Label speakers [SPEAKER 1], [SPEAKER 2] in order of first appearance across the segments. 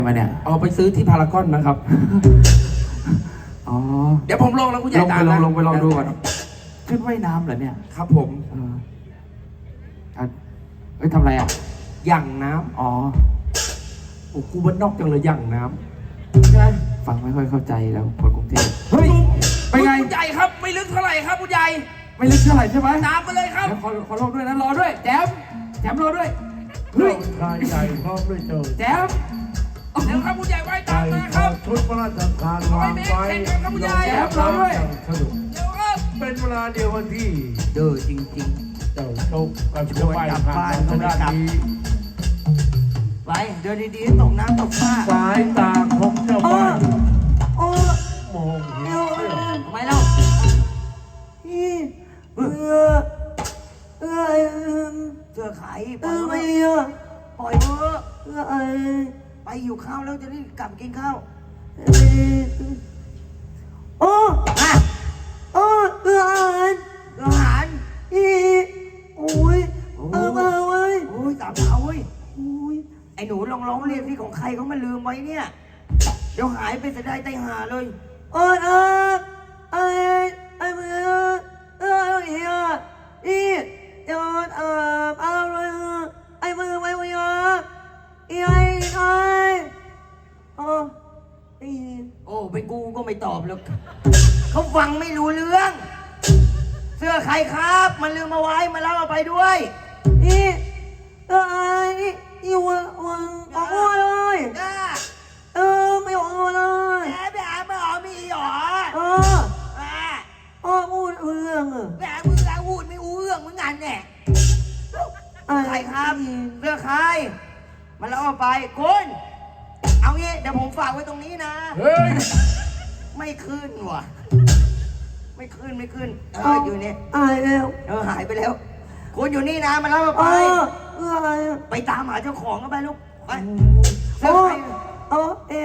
[SPEAKER 1] มาเนี่ย
[SPEAKER 2] เอาไปซื้อที่พารากอนนะครับ
[SPEAKER 1] อ๋อ
[SPEAKER 2] เดี๋ยวผมลงแล้วคุณใหญ่ตาม
[SPEAKER 1] ลงไปลองดูก่อนชุดว่ายน้ำเหรอเนี่ย
[SPEAKER 2] ครับผม
[SPEAKER 1] ทำอะไรอ่ะ
[SPEAKER 2] ย่างน้ำ
[SPEAKER 1] อ๋อ
[SPEAKER 2] โอ้กูบ้านนอกจังเลยย่างน้ำใช่
[SPEAKER 1] ฟังไม่ค่อยเข้าใจแล้วคนกรุงเทพ
[SPEAKER 2] เฮ้ยไปไงคุณใหญ่ครับไม่ลึกเท่าไหร่ครับคุณใหญ่
[SPEAKER 1] ไม่ลึกเท่าไหร่ใช่ไหม
[SPEAKER 2] ตามมาเลยครับ
[SPEAKER 1] ขอลงด้วยนะรอด้วยแจมรอด้วย
[SPEAKER 3] เฮ้ยชายใหญ่พร้อมด้วยเจ้า
[SPEAKER 1] แจม
[SPEAKER 2] เดี๋ยวครับคุณใหญ่ไว้ตามมาครับ
[SPEAKER 3] ชุดพระราชทานวางไว้
[SPEAKER 1] แจมรอด้วย
[SPEAKER 3] สนุก
[SPEAKER 2] เดี๋ยวครับ
[SPEAKER 3] เป็นเวลาเดียวกันที่
[SPEAKER 2] เด้อจริง
[SPEAKER 3] ๆเจ้าโชคกับเจ้าใบผ่านทางด้านนี้
[SPEAKER 2] ไปเดินดีๆตกน้ำตกฟ้า
[SPEAKER 3] สายตาของเจ้าใบมองเห็น
[SPEAKER 2] ทำไมเล่าเจอไข่ปล่อยไม่ปล่อยเถอะไปอยู่ข้าวแล้วจะได้กลับกินข้าวโอ้อาหารโอ้ยตามเขาเว้ยไอ้หนูลองเรียกที่ของใครเขามาลืมไว้เนี่ยเดี๋ยวหายไปจะได้ไตหาเลยโอ้เป็นกูก็ไม่ตอบแล้วเขาฟังไม่รู้เรื่องเสื้อใครครับมันลืมมาไว้มาเล่าเอาไปด้วยอยู่วังออกเลยไม่ออกเลยไม่ออกมีหรอพูดเรื่องแบบมึงจะพูดไม่รู้เรื่องเหมือนกันแน่ใครครับเสื้อใครมาเล่าเอาไปคุณเอางี้เดี๋ยวผมฝากไว้ตรงนี้นะไม่ขึ้นว่ะไม่ขึ้นอยู่นี่หายไปแล้วคุณอยู่นี่นะมาเล่าเอาไปไปตามหาเจ้าของกันไปลูกไปเสื้อใครรอดิ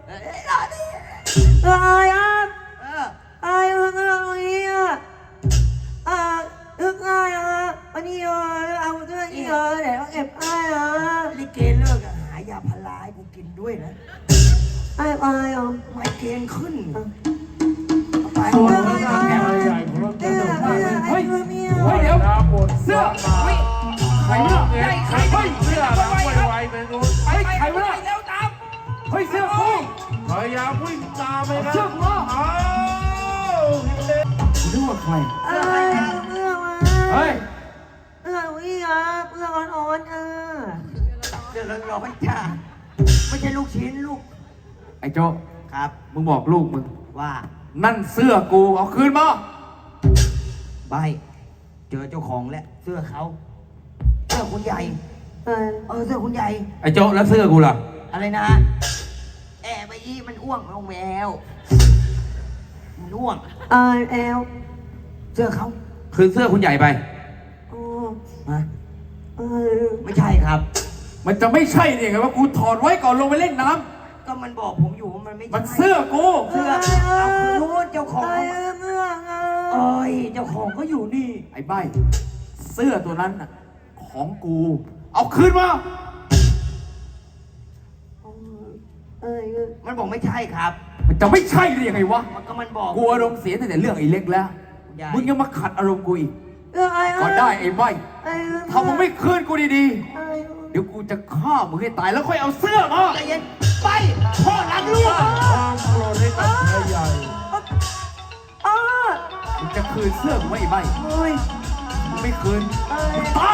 [SPEAKER 2] ลิเกเลิกหายาพาราให้กูกินด้วยนะไมเกรนขึ้นไป
[SPEAKER 3] ใหญ่พร้อมด้วยเจ้าใบ
[SPEAKER 1] เฮ้ยเดี๋ยวเสื้อใครเนี่ย
[SPEAKER 3] ใครเสื้อหลังไวๆไปนู้น
[SPEAKER 1] ใครวะเนี่ย
[SPEAKER 2] แล้วตาม
[SPEAKER 1] เฮ้ยเสื้อคู่
[SPEAKER 3] พยายามวิ่งตามไปนะ
[SPEAKER 1] เสื้อคู่นึกว่าใครเฮ้ย
[SPEAKER 2] เสื้อร้อนจ้าไม่ใช่ลูกชิ้นลูก
[SPEAKER 1] ไอ้โจ
[SPEAKER 2] ครับ
[SPEAKER 1] มึงบอกลูกมึง
[SPEAKER 2] ว่า
[SPEAKER 1] นั่นเสื้อกูเอาคืนมา
[SPEAKER 2] ใบเจอเจ้าของแล้วเสื้อเขาเสื้อคุณใหญ่เสื้อคุณใหญ่
[SPEAKER 1] ไอ้โจแล้วเสื้อกูล่ะ
[SPEAKER 2] อะไรนะไปอีมันอ้วงเอาแมวมันอ้วงเสื้อเขา
[SPEAKER 1] คืนเสื้อคุณใหญ่ไป
[SPEAKER 2] ไม่ใช่ครับ
[SPEAKER 1] มันจะไม่ใช่เนี่ยไงว่ากูถอดไว้ก่อนลงไปเล่นน้
[SPEAKER 2] ำก็มันบอกผมอยู่ว่ามันไม่ใช่
[SPEAKER 1] มันเสื้อกู
[SPEAKER 2] เสื้อรู้เจ้าของเจ้าของก็อยู่นี่
[SPEAKER 1] ไอ้ใบเสื้อตัวนั้นของกูเอาคืนมา
[SPEAKER 2] มันบอกไม่ใช่ครับ
[SPEAKER 1] มันจะไม่ใช่ได้ยังไงวะ
[SPEAKER 2] มันบอก
[SPEAKER 1] กูอารมณ์เสียตั้งแต่เรื่องไอ้เล็กแล้วมึงยังมาขัดอารมณ์กูอีกก็ได้ไอ้ใบถ้ามึงไม่คืนกูดีๆเดี๋ยวกูจะฆ่ามึงให้ตายแล้วค่อยเอาเสื้อมา
[SPEAKER 2] ใจเย็นไปพ่อรักลูก
[SPEAKER 3] ความโกรธให้กับชายใหญ่
[SPEAKER 1] มึงจะคืนเสื้อกูไหมไอ้ใบมึงไม่คืนตา